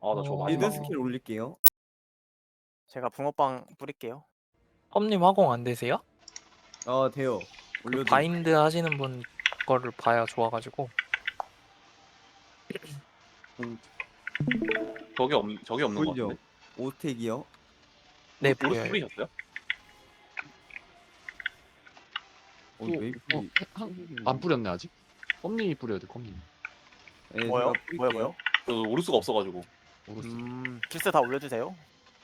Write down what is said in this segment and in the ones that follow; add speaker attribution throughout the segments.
Speaker 1: 아, 나 저거
Speaker 2: 어,
Speaker 1: 마지막.
Speaker 3: 빌드 스킬 올릴게요.
Speaker 4: 제가 붕어빵 뿌릴게요.
Speaker 2: 험님 화공 안 되세요?
Speaker 3: 아 돼요.
Speaker 2: 그
Speaker 3: 올려드.
Speaker 2: 바인드 하시는 분 거를 봐야 좋아가지고.
Speaker 1: 저게 없는 거
Speaker 3: 보이죠?
Speaker 1: 같은데?
Speaker 3: 5스택이요.
Speaker 2: 네,
Speaker 1: 오른쪽
Speaker 2: 보여요.
Speaker 1: 뿌리셨어요?
Speaker 3: 웨이프.
Speaker 5: 안 뿌렸네 아직. 껌님이 뿌려야 돼. 껌님.
Speaker 3: 네,
Speaker 4: 뭐요?
Speaker 3: 제가 뿌릴게요.
Speaker 4: 뭐요?
Speaker 1: 저 오를 수가 없어가지고.
Speaker 5: 오르스.
Speaker 4: 필스 다 올려주세요.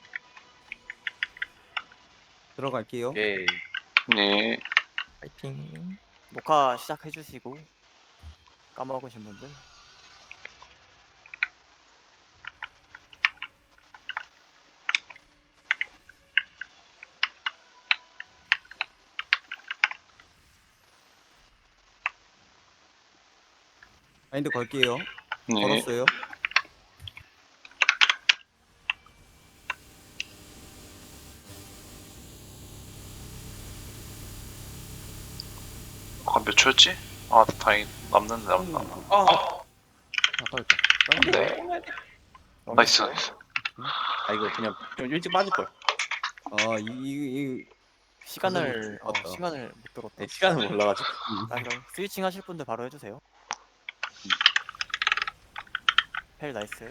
Speaker 3: 들어갈게요.
Speaker 1: 예.
Speaker 6: 네.
Speaker 2: 파이팅.
Speaker 4: 녹화 시작해주시고 까먹으신 분들.
Speaker 3: 바인드 걸게요.
Speaker 6: 네.
Speaker 3: 걸었어요.
Speaker 6: 아, 몇 초였지? 아, 다행히 남는데 남나.
Speaker 1: 아,
Speaker 5: 아까웠다.
Speaker 6: 네. 나이스, 나이스.
Speaker 1: 아 이거 그냥 좀 일찍 빠질 걸.
Speaker 3: 이
Speaker 4: 시간을
Speaker 3: 맞다.
Speaker 4: 시간을 못 들었다.
Speaker 1: 네, 시간을 몰라가지고.
Speaker 4: 아, 그럼 스위칭 하실 분들 바로 해주세요. 펠 나이스.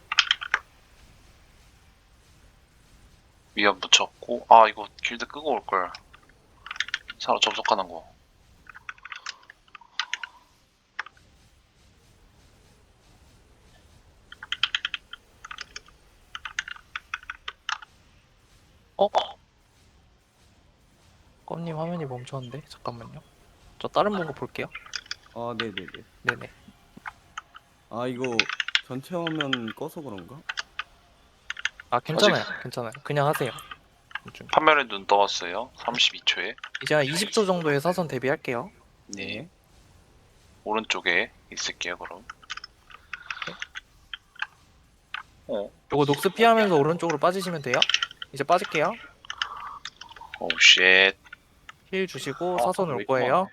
Speaker 6: 위안 붙였고. 아, 이거 길드 끄고 올걸. 사로 접속하는 거.
Speaker 2: 껌님 화면이 멈췄는데 잠깐만요. 저 다른 보고 볼게요.
Speaker 3: 네네네.
Speaker 2: 네네.
Speaker 3: 아 이거 전체 화면 꺼서 그런가?
Speaker 2: 아 괜찮아요. 괜찮아요. 그냥 하세요. 좀.
Speaker 6: 판매에 눈 떠왔어요. 32초에.
Speaker 2: 이제 한 20초 정도의 사선 대비할게요.
Speaker 6: 네. 오른쪽에 있을게요, 그럼.
Speaker 2: 요거 녹스 피하면서 오른쪽으로 빠지시면 돼요. 이제 빠질게요.
Speaker 6: 오, 쉣.
Speaker 2: 힐 주시고
Speaker 1: 아,
Speaker 2: 사선 올
Speaker 1: 왜
Speaker 2: 거예요.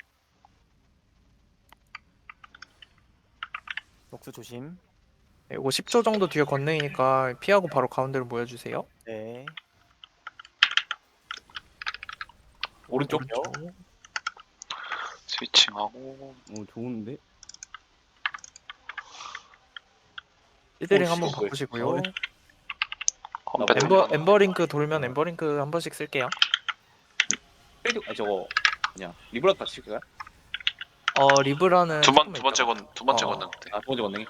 Speaker 4: 녹수 조심.
Speaker 2: 네, 요거 10초 정도 뒤에 건너니까 피하고 바로 가운데로 모여주세요.
Speaker 4: 네.
Speaker 1: 오른쪽.
Speaker 6: 스위칭하고.
Speaker 3: 좋은데?
Speaker 2: 시드링
Speaker 1: 오,
Speaker 2: 한번
Speaker 1: 씨,
Speaker 2: 바꾸시고요.
Speaker 6: 컴뱃
Speaker 2: 엠버링크 돌면 엠버링크 한 번씩 쓸게요.
Speaker 1: 저거 그냥 리브라도 같이 칠까요?
Speaker 2: 리브라는
Speaker 6: 두
Speaker 2: 조금만
Speaker 6: 번째
Speaker 2: 있다가.
Speaker 6: 두 번째
Speaker 2: 어.
Speaker 6: 건능 때.
Speaker 1: 아, 두 번째 건능이.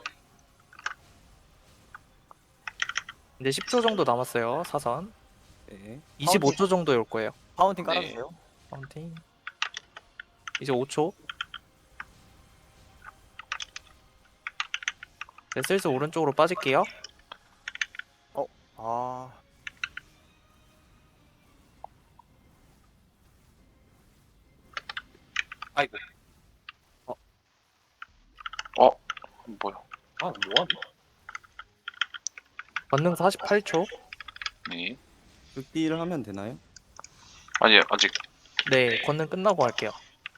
Speaker 2: 이제 10초 정도 남았어요. 사선.
Speaker 3: 네.
Speaker 2: 25초 정도에 올 거예요.
Speaker 4: 파운틴
Speaker 6: 네.
Speaker 4: 깔아주세요.
Speaker 2: 파운틴. 이제 5초. 네, 슬슬 오른쪽으로 빠질게요.
Speaker 4: 아,
Speaker 1: 아이고.
Speaker 6: 뭐야?
Speaker 1: 아, 뭐하니?
Speaker 2: 권능 48초.
Speaker 6: 네.
Speaker 3: 극딜을 하면 되나요?
Speaker 6: 아니, 아직.
Speaker 2: 네, 권능 끝나고 할게요.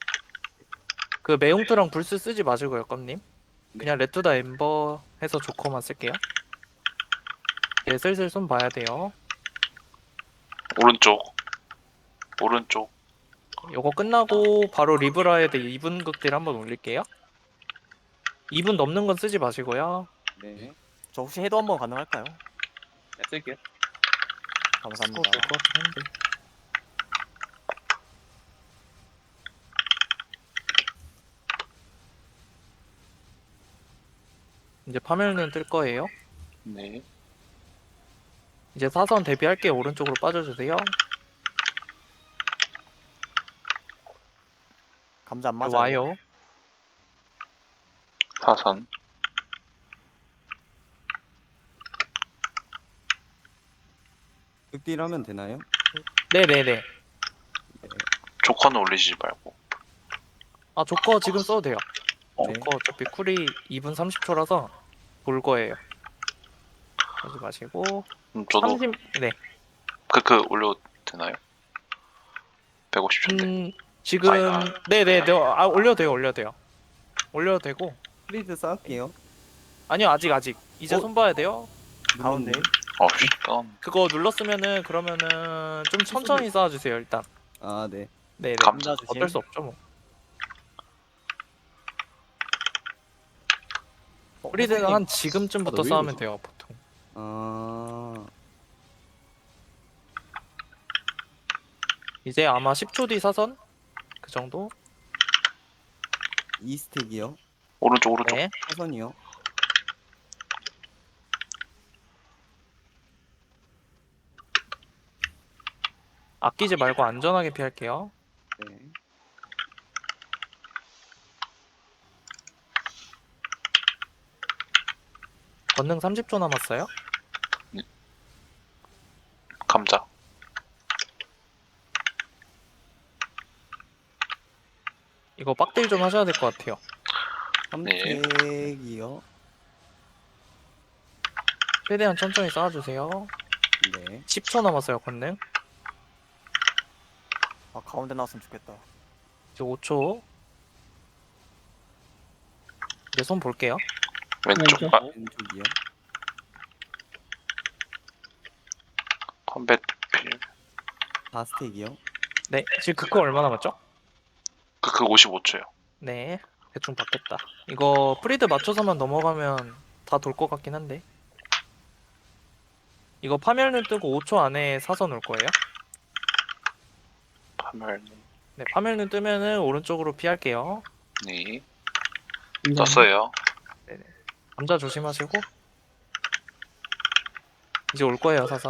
Speaker 2: 그 매용트랑 불스 쓰지 마시고요, 껌님. 그냥 레투다 엠버 해서 조커만 쓸게요. 네, 슬슬 손 봐야 돼요.
Speaker 6: 오른쪽. 오른쪽.
Speaker 2: 요거 끝나고 바로 리브라에 대해 2분 극딜 한번 올릴게요. 2분 넘는 건 쓰지 마시고요.
Speaker 3: 네.
Speaker 4: 저 혹시 해도 한번 가능할까요?
Speaker 1: 네, 쓸게요.
Speaker 4: 감사합니다.
Speaker 2: 될것 같긴 한데. 이제 파멸은 뜰 거예요.
Speaker 6: 네.
Speaker 2: 이제 사선 대비할게요. 오른쪽으로 빠져주세요.
Speaker 4: 감자 안
Speaker 2: 네,
Speaker 4: 맞아요.
Speaker 2: 와요.
Speaker 6: 사선.
Speaker 3: 극딜 하면 되나요?
Speaker 2: 네네네.
Speaker 6: 조커는 올리지 말고.
Speaker 2: 아 조커 지금 써도 돼요.
Speaker 3: 네.
Speaker 2: 조커 어차피 쿨이 2분 30초라서 볼 거예요. 하지 마시고.
Speaker 6: 저도
Speaker 2: 30... 네.
Speaker 6: 올려도 되나요? 150초인데.
Speaker 2: 지금 네네네. 올려도 돼요. 올려도 되고.
Speaker 3: 프리드 쌓을게요.
Speaker 2: 아니요 아직 이제 손 봐야 돼요.
Speaker 4: 가운데.
Speaker 6: 어씨 다운.
Speaker 2: 그거 눌렀으면은 그러면은 좀 천천히 쌓아주세요 일단.
Speaker 3: 아, 네.
Speaker 2: 네네.
Speaker 6: 감자
Speaker 4: 조심.
Speaker 2: 어쩔 수 없죠 뭐. 프리드는 한 지금쯤부터
Speaker 5: 아, 너
Speaker 2: 쌓으면
Speaker 5: 웨이브죠?
Speaker 2: 돼요 보통.
Speaker 3: 아,
Speaker 2: 이제 아마 10초 뒤 사선 그 정도.
Speaker 3: 2스택이요.
Speaker 6: 오른쪽 오른쪽.
Speaker 2: 네.
Speaker 3: 사선이요.
Speaker 2: 아끼지 말고 안전하게 피할게요.
Speaker 3: 네.
Speaker 2: 권능 30초 남았어요.
Speaker 6: 감자.
Speaker 2: 이거 빡딜 좀 하셔야 될 것 같아요.
Speaker 6: 네.
Speaker 3: 3스택이요.
Speaker 2: 최대한 천천히 쌓아주세요.
Speaker 3: 네.
Speaker 2: 10초 남았어요 권능.
Speaker 4: 아 가운데 나왔으면 좋겠다.
Speaker 2: 이제 5초. 이제 손 볼게요.
Speaker 6: 왼쪽.
Speaker 7: 왼쪽.
Speaker 6: 아,
Speaker 3: 왼쪽이요.
Speaker 6: 컴뱃 필.
Speaker 3: 4스택이요.
Speaker 2: 네. 지금 그거 얼마 남았죠?
Speaker 6: 그 55초요.
Speaker 2: 네. 대충 받겠다. 이거 프리드 맞춰서만 넘어가면 다 돌 것 같긴 한데. 이거 파멸눈 뜨고 5초 안에 사선 올 거예요.
Speaker 6: 파멸.
Speaker 2: 네. 파멸눈 뜨면은 오른쪽으로 피할게요.
Speaker 6: 네.
Speaker 7: 감자.
Speaker 6: 떴어요.
Speaker 2: 감자 조심하시고. 이제 올 거예요 사선.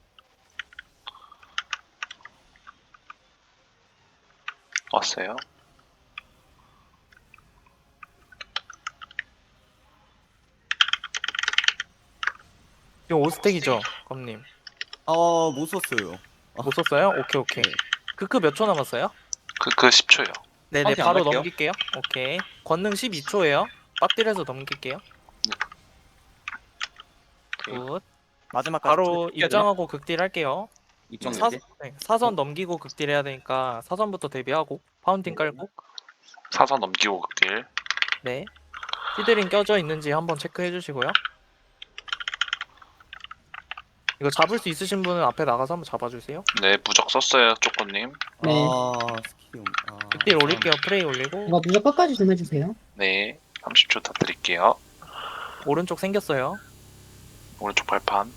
Speaker 6: 왔어요.
Speaker 2: 지금 5스택이죠 검님.
Speaker 3: 아, 못 썼어요.
Speaker 2: 못 썼어요? 오케이 오케이.
Speaker 3: 네.
Speaker 2: 크크 몇 초 남았어요?
Speaker 6: 그 10초요.
Speaker 2: 네네
Speaker 1: 파운틴 안
Speaker 2: 바로
Speaker 1: 갈게요.
Speaker 2: 넘길게요. 오케이. 권능 12초예요. 빡딜해서 넘길게요. 굿.
Speaker 4: 마지막까지.
Speaker 2: 바로
Speaker 1: 해야 되나?
Speaker 2: 입장하고 극딜 할게요.
Speaker 1: 입장
Speaker 2: 사,
Speaker 1: 내지.
Speaker 2: 네, 사선 넘기고 극딜 해야 되니까 사선부터 대비하고 파운틴 깔고.
Speaker 6: 사선 넘기고 극딜.
Speaker 2: 네. 피드링 껴져 있는지 한번 체크해 주시고요. 이거 잡을 수 있으신 분은 앞에 나가서 한번 잡아주세요.
Speaker 6: 네, 무적 썼어요, 쪼꼬님.
Speaker 7: 네.
Speaker 3: 아, 스킬이 아,
Speaker 2: 극딜 올릴게요. 프레이 올리고.
Speaker 7: 이거 무적 끝까지 좀 해주세요.
Speaker 6: 네, 30초 더 드릴게요.
Speaker 2: 오른쪽 생겼어요.
Speaker 6: 오른쪽 발판.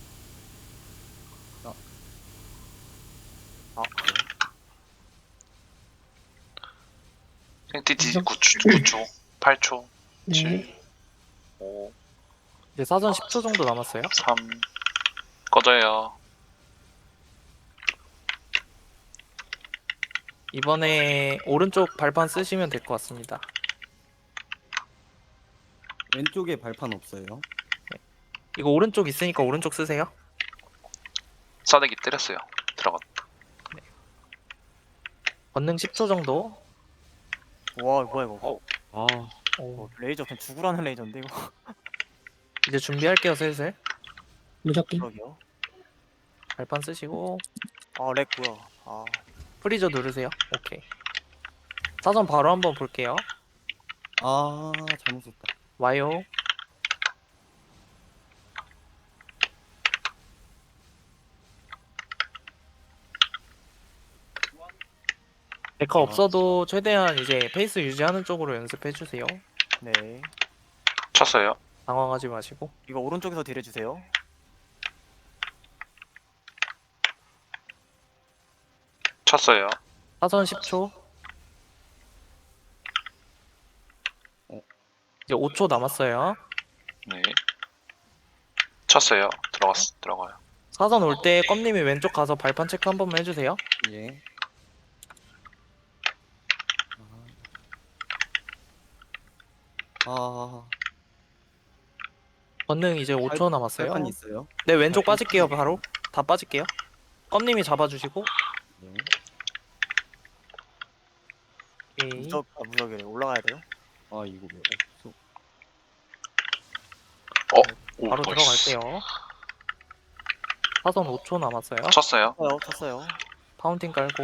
Speaker 4: 아
Speaker 6: 생티티
Speaker 7: 무적.
Speaker 6: 9초, 8초,
Speaker 7: 네.
Speaker 6: 7, 5,
Speaker 2: 이제 사선 10초 정도 남았어요.
Speaker 6: 3. 꺼져요.
Speaker 2: 이번에 오른쪽 발판 쓰시면 될 것 같습니다.
Speaker 3: 왼쪽에 발판 없어요.
Speaker 2: 이거 오른쪽 있으니까 오른쪽 쓰세요.
Speaker 6: 싸대기 때렸어요. 들어갔.
Speaker 2: 권능 10초 정도.
Speaker 4: 와 뭐야 이거.
Speaker 5: 아,
Speaker 2: 오,
Speaker 4: 레이저 그냥 죽으라는 레이저인데 이거.
Speaker 2: 이제 준비할게요 슬슬.
Speaker 7: 무적기.
Speaker 4: 그러게요.
Speaker 2: 발판 쓰시고
Speaker 4: 아렉 뭐야. 아
Speaker 2: 프리저 누르세요. 오케이. 사선 바로 한번 볼게요.
Speaker 3: 아, 잘못 썼다.
Speaker 2: 와요. 데카 없어도 최대한 이제 페이스 유지하는 쪽으로 연습해 주세요.
Speaker 4: 네.
Speaker 6: 쳤어요.
Speaker 2: 당황하지 마시고.
Speaker 4: 이거 오른쪽에서 딜해 주세요.
Speaker 6: 쳤어요.
Speaker 2: 사선 10초. 이제 5초 남았어요.
Speaker 6: 네. 쳤어요. 들어가요.
Speaker 2: 사선 올 때 껌님이 왼쪽 가서 발판 체크 한 번만 해주세요.
Speaker 3: 예. 아,
Speaker 2: 권능 이제 5초 남았어요.
Speaker 3: 발판 있어요.
Speaker 2: 네 왼쪽 빠질게요 바로. 다 빠질게요. 껌님이 잡아주시고.
Speaker 3: 네.
Speaker 2: 오케이.
Speaker 4: 무적이래. 올라가야 돼요.
Speaker 3: 아, 이거 왜 없어?
Speaker 6: 오,
Speaker 2: 바로
Speaker 6: 나이스.
Speaker 2: 들어갈게요. 사선 5초 남았어요.
Speaker 6: 쳤어요.
Speaker 4: 쳤어요.
Speaker 2: 파운틴 깔고.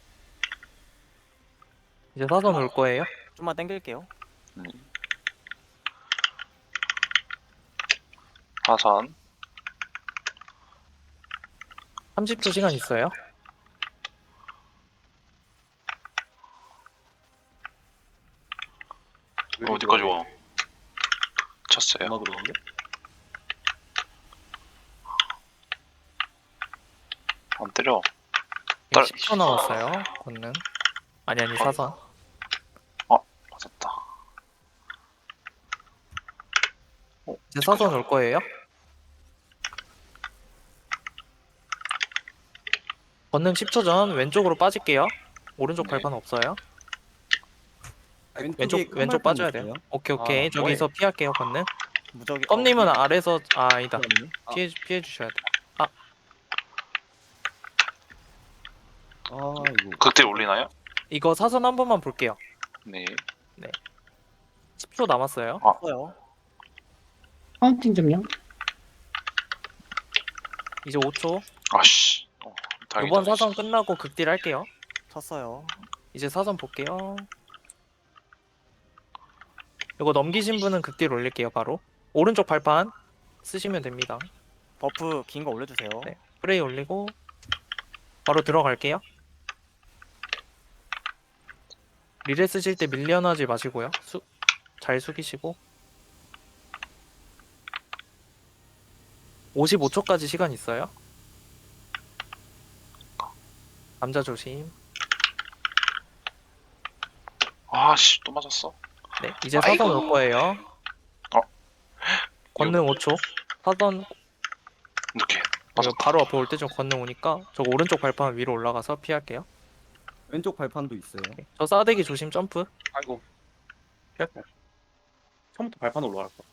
Speaker 2: 이제 사선 올 거예요.
Speaker 4: 좀만 당길게요.
Speaker 6: 사선.
Speaker 2: 30초 시간 있어요.
Speaker 6: 어디까지 와? 쳤어요.
Speaker 1: 얼마 들어오는데?
Speaker 6: 안 때려.
Speaker 2: 네, 10초 남았어요. 권능. 아니 사선.
Speaker 6: 맞았다.
Speaker 2: 이제 사선 올 거예요. 권능 10초 전 왼쪽으로 빠질게요. 오른쪽
Speaker 6: 네.
Speaker 2: 발판 없어요.
Speaker 3: 왼쪽에 큰
Speaker 2: 왼쪽
Speaker 3: 발판
Speaker 2: 빠져야
Speaker 3: 있어요?
Speaker 2: 돼요. 오케이.
Speaker 1: 아,
Speaker 2: 저기서 피할게요. 권능.
Speaker 4: 무적이.
Speaker 2: 껌님은 아래서 아니다.
Speaker 3: 아.
Speaker 2: 피해 주셔야 돼.
Speaker 3: 이거
Speaker 6: 극딜 올리나요?
Speaker 2: 이거 사선 한 번만 볼게요.
Speaker 6: 네.
Speaker 2: 10초 남았어요.
Speaker 4: 쳤어요.
Speaker 7: 카운팅 좀요.
Speaker 2: 이제 5초.
Speaker 6: 아씨. 다행이다.
Speaker 2: 이번 사선 끝나고 극딜 할게요.
Speaker 4: 쳤어요.
Speaker 2: 이제 사선 볼게요. 이거 넘기신 분은 극딜 올릴게요. 바로 오른쪽 발판 쓰시면 됩니다.
Speaker 4: 버프 긴 거 올려주세요.
Speaker 2: 네. 프레이 올리고 바로 들어갈게요. 리레 쓰실 때 밀려나지 마시고요. 잘 숙이시고 55초까지 시간 있어요. 남자 조심.
Speaker 6: 아씨 또 맞았어.
Speaker 2: 네, 이제 사선 올 거예요. 권능 5초. 사선
Speaker 6: 이렇게
Speaker 2: 이거
Speaker 6: 맞았다.
Speaker 2: 바로 앞에 올 때 좀 권능 오니까 저 오른쪽 발판 위로 올라가서 피할게요.
Speaker 3: 왼쪽 발판도 있어요.
Speaker 2: 저 싸대기 조심 점프.
Speaker 1: 아이고. 피할게. 처음부터 발판으로 올라갈 거.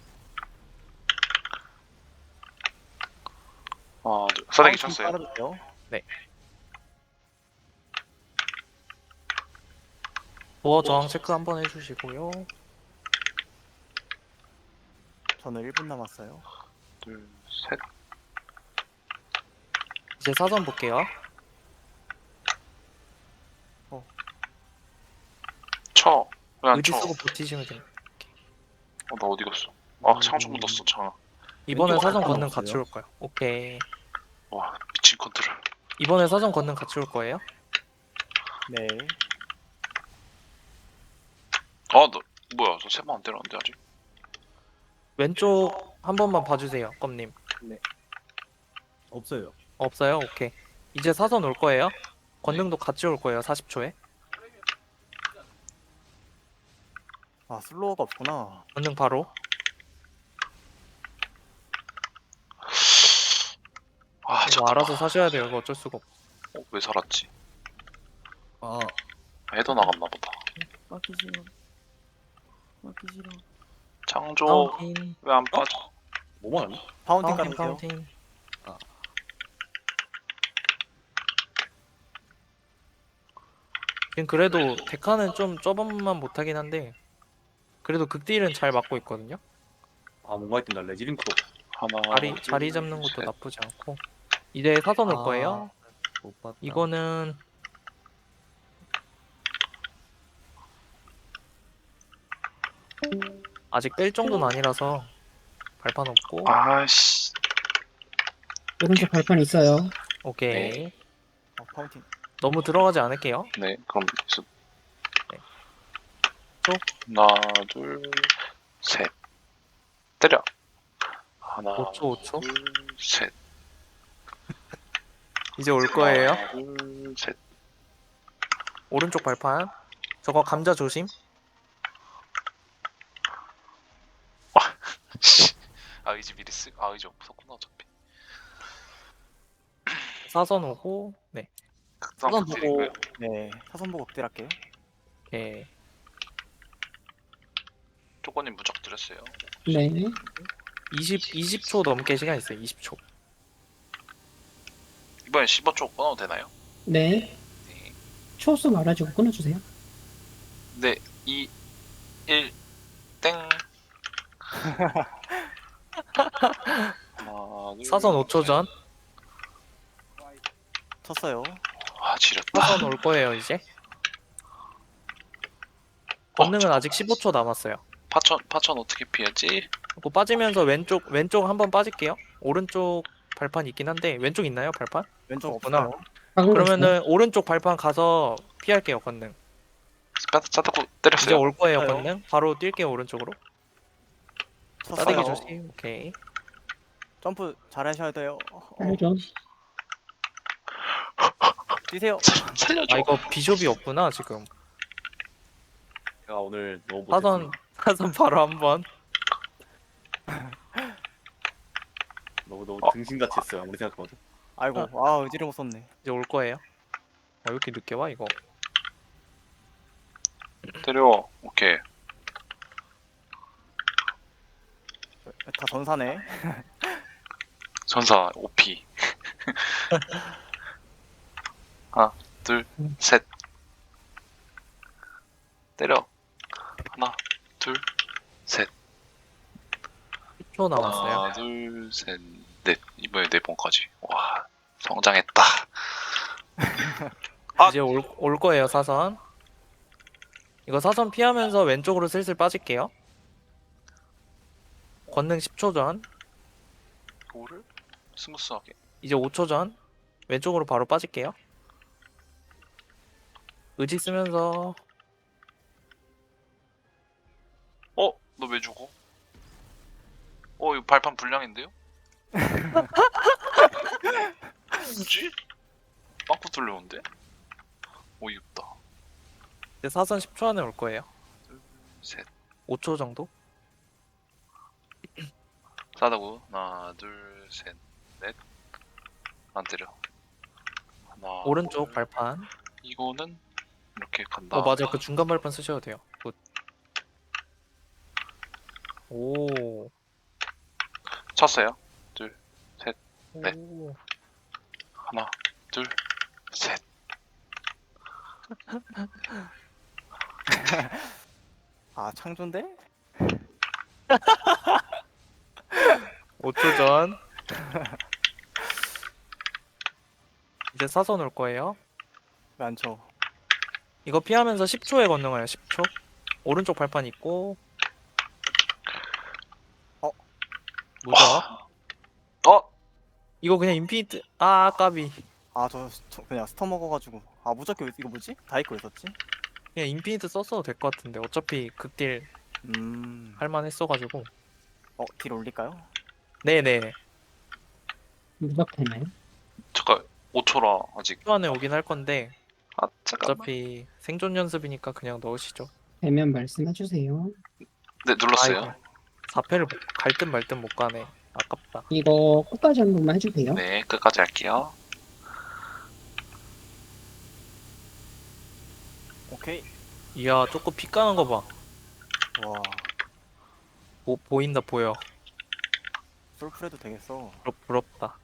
Speaker 6: 싸대기 쳤어요.
Speaker 4: 빨아주세요.
Speaker 2: 도어 저항 체크 한번 해주시고요.
Speaker 4: 저는 1분 남았어요.
Speaker 6: 둘, 셋.
Speaker 2: 이제 사선 볼게요.
Speaker 6: 쳐. 왜 안
Speaker 2: 의지
Speaker 6: 쳐?
Speaker 2: 쓰고 버티시면 됩니다.
Speaker 6: 나 어디 갔어? 상처 묻었어, 창아.
Speaker 2: 이번에
Speaker 3: 왼쪽
Speaker 2: 사선
Speaker 3: 발판
Speaker 2: 권능
Speaker 3: 없어요?
Speaker 2: 같이 올 거예요. 오케이.
Speaker 6: 와, 미친 컨트롤.
Speaker 2: 이번에 사선 권능 같이 올 거예요.
Speaker 4: 네.
Speaker 6: 너 뭐야? 저 세 번 안 때렸는데 아직?
Speaker 2: 왼쪽 한 번만 봐주세요. 껌님.
Speaker 3: 없어요.
Speaker 2: 없어요? 오케이. 이제 사선 올 거예요. 권능도 같이 올 거예요. 40초에.
Speaker 4: 슬로우가 없구나.
Speaker 2: 권능 바로. 이거
Speaker 6: 잠깐만.
Speaker 2: 알아서 사셔야 돼요. 이거 어쩔 수가 없어.
Speaker 6: 왜 살았지?
Speaker 3: 아,
Speaker 6: 헤더 나갔나 보다.
Speaker 3: 맞기 싫어. 맞기 싫어.
Speaker 6: 창조
Speaker 2: 카운팅.
Speaker 6: 왜 안 빠져?
Speaker 1: 뭐만 하니?
Speaker 4: 파운팅
Speaker 2: 카운팅
Speaker 4: 깔아주세요.
Speaker 2: 카운팅. 지금 그래도 데카는 좀 저번만 못하긴 한데 그래도 극딜은 잘 맞고 있거든요.
Speaker 1: 뭔가 있던다. 레지링크도.
Speaker 6: 하나.
Speaker 2: 자리
Speaker 6: 둘,
Speaker 2: 잡는 것도
Speaker 6: 셋.
Speaker 2: 나쁘지 않고. 이제 사선 올
Speaker 3: 아.
Speaker 2: 거예요.
Speaker 3: 못 봤다.
Speaker 2: 이거는 아직 뺄 정도는 아니라서 발판 없고.
Speaker 6: 아씨.
Speaker 7: 오른쪽 발판 있어요.
Speaker 2: 오케이.
Speaker 4: 파운팅.
Speaker 2: 너무 들어가지 않을게요.
Speaker 6: 네, 그럼 계속.
Speaker 2: 네. 쭉.
Speaker 6: 하나, 둘, 셋. 때려. 하나,
Speaker 2: 5초.
Speaker 6: 둘, 셋.
Speaker 2: 이제 올 거예요.
Speaker 6: 하나, 둘, 셋.
Speaker 2: 오른쪽 발판. 저거 감자 조심.
Speaker 6: 의지 미리 의지 없었구나 어차피.
Speaker 2: 사선 오고. 네.
Speaker 6: 사선 보고.
Speaker 4: 네. 사선 보고 극딜할게요.
Speaker 2: 오케이.
Speaker 6: 조건님 무적 드렸어요.
Speaker 7: 네.
Speaker 2: 20초 넘게 시간 있어요. 20초.
Speaker 6: 이번엔 15초 끊어도 되나요?
Speaker 7: 네.
Speaker 6: 네.
Speaker 7: 초수 말아주고 끊어주세요.
Speaker 6: 네, 2, 1, 땡. 하나, 둘,
Speaker 2: 사선 5초 전.
Speaker 4: 쳤어요.
Speaker 6: 지렸다.
Speaker 2: 사선 올 거예요, 이제. 권능은 아직 15초 남았어요.
Speaker 6: 파천 어떻게 피하지?
Speaker 2: 그거 빠지면서 왼쪽 한번 빠질게요. 오른쪽 발판 있긴 한데 왼쪽 있나요 발판?
Speaker 4: 왼쪽
Speaker 2: 없구나.
Speaker 4: 없어요.
Speaker 7: 박은 거 있어요?
Speaker 2: 그러면은 오른쪽 발판 가서 피할게요 건능.
Speaker 6: 싸다고
Speaker 2: 이제
Speaker 6: 때렸어요.
Speaker 2: 올 거예요
Speaker 4: 없어요.
Speaker 2: 건능. 바로 뛸게요 오른쪽으로.
Speaker 4: 쳤어요.
Speaker 2: 싸대기 조심. 오케이.
Speaker 4: 점프 잘하셔야 돼요.
Speaker 7: 알죠.
Speaker 4: 뛰세요.
Speaker 6: 살려줘.
Speaker 2: 아 이거 비숍이 없구나 지금.
Speaker 1: 제가 오늘 너무
Speaker 2: 사선
Speaker 1: 못했습니다.
Speaker 2: 사선 바로 한번.
Speaker 1: 너무 등신같이 했어요. 아무리 생각해봐도.
Speaker 4: 아이고, 아 의지를 못 썼네.
Speaker 2: 이제 올 거예요. 왜 이렇게 늦게 와 이거?
Speaker 6: 때려. 오케이.
Speaker 4: 다 전사네.
Speaker 6: 전사 OP. 하나, 둘, 셋. 때려. 하나, 둘, 셋.
Speaker 2: 10초 남았어요.
Speaker 6: 하나, 둘, 셋, 넷. 이번에 4번까지. 와, 성장했다. 아!
Speaker 2: 이제 올 거예요 사선. 이거 사선 피하면서 왼쪽으로 슬슬 빠질게요. 권능 10초 전.
Speaker 6: 이거를 스무스하게.
Speaker 2: 이제 5초 전. 왼쪽으로 바로 빠질게요. 의지 쓰면서
Speaker 6: 어? 너 왜 죽어? 이거 발판 불량인데요? 뭐지? 빵꾸 뚫려온데? 어이없다.
Speaker 2: 이제 사선 10초 안에 올 거예요.
Speaker 6: 셋.
Speaker 2: 5초 정도?
Speaker 6: 싸다고. 하나, 둘, 셋, 넷. 안 때려. 하나.
Speaker 2: 오른쪽
Speaker 6: 둘.
Speaker 2: 발판.
Speaker 6: 이거는 이렇게 간다.
Speaker 2: 맞아요. 그 중간 발판 쓰셔도 돼요. 굿. 오.
Speaker 6: 쳤어요. 둘, 네.
Speaker 2: 오.
Speaker 6: 하나, 둘, 셋.
Speaker 4: 아 창조인데?
Speaker 2: 5초 전. 이제 사선 올 거예요.
Speaker 4: 왜 안 쳐?
Speaker 2: 이거 피하면서 10초에 건너가요. 10초. 오른쪽 발판 있고. 뭐죠? 이거 그냥 인피니트. 아 까비.
Speaker 4: 아 저 그냥 스터 먹어가지고. 아 무적기 이거 뭐지? 다이코 있었지?
Speaker 2: 그냥 인피니트 썼어도 될 것 같은데 어차피 극딜 할만했어가지고.
Speaker 4: 딜 올릴까요?
Speaker 2: 네네.
Speaker 7: 무적 되나요?
Speaker 6: 잠깐 5초라 아직.
Speaker 2: 10초 안에 오긴 할 건데
Speaker 6: 아 잠깐만.
Speaker 2: 어차피 생존 연습이니까 그냥 넣으시죠.
Speaker 7: 되면 말씀해 주세요.
Speaker 6: 네 눌렀어요.
Speaker 2: 4패를 갈 듯 말 듯 못 가네. 아깝다.
Speaker 7: 이거 끝까지 한 번만 해주세요.
Speaker 6: 네 끝까지 할게요.
Speaker 4: 오케이.
Speaker 2: 이야 조금 피 까는 거 봐.
Speaker 4: 와
Speaker 2: 보인다 보여.
Speaker 4: 솔프레도 되겠어.
Speaker 2: 부럽다.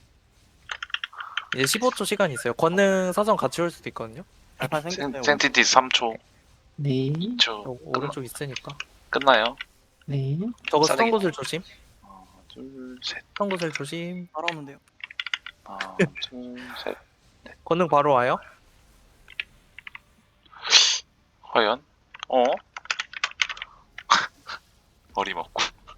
Speaker 2: 이제 15초 시간 있어요. 권능 사선 같이 올 수도 있거든요.
Speaker 4: 발판 생겼어요.
Speaker 6: 센티티 3초.
Speaker 7: 네,
Speaker 6: 2초.
Speaker 2: 오른쪽 있으니까.
Speaker 6: 끝나요.
Speaker 7: 네.
Speaker 2: 저거
Speaker 6: 싸대기.
Speaker 2: 스턴 곳을 조심.
Speaker 6: 하나, 둘, 셋.
Speaker 2: 스턴 곳을 조심.
Speaker 4: 따라오는데요.
Speaker 6: 하나, 둘, 셋.
Speaker 2: 권능 바로 와요.
Speaker 6: 과연? 어림없고.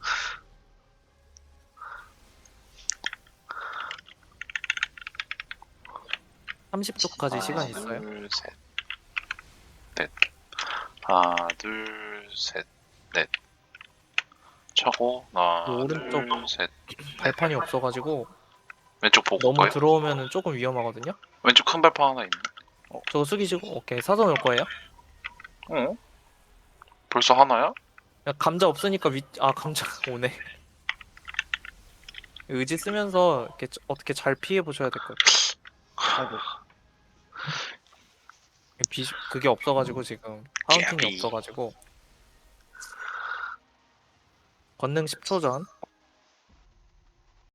Speaker 2: 30초까지 시간 있어요.
Speaker 6: 둘, 셋, 넷. 하나, 둘, 셋, 넷. 차고 하나,
Speaker 2: 오른쪽.
Speaker 6: 둘, 셋.
Speaker 2: 발판이 없어가지고
Speaker 6: 왼쪽 보고
Speaker 2: 너무
Speaker 6: 거예요?
Speaker 2: 들어오면은 조금 위험하거든요.
Speaker 6: 왼쪽 큰 발판 하나 있네.
Speaker 2: 저거 숙이시고 오케이 사선 올 거예요.
Speaker 6: 벌써 하나야?
Speaker 2: 야, 감자 없으니까 감자 오네. 의지 쓰면서 이렇게 어떻게 잘 피해 보셔야 될 것 같아요.
Speaker 4: 아이고.
Speaker 2: 그게 없어가지고 지금 파운틴이
Speaker 6: 깨비.
Speaker 2: 없어가지고 권능 10초 전.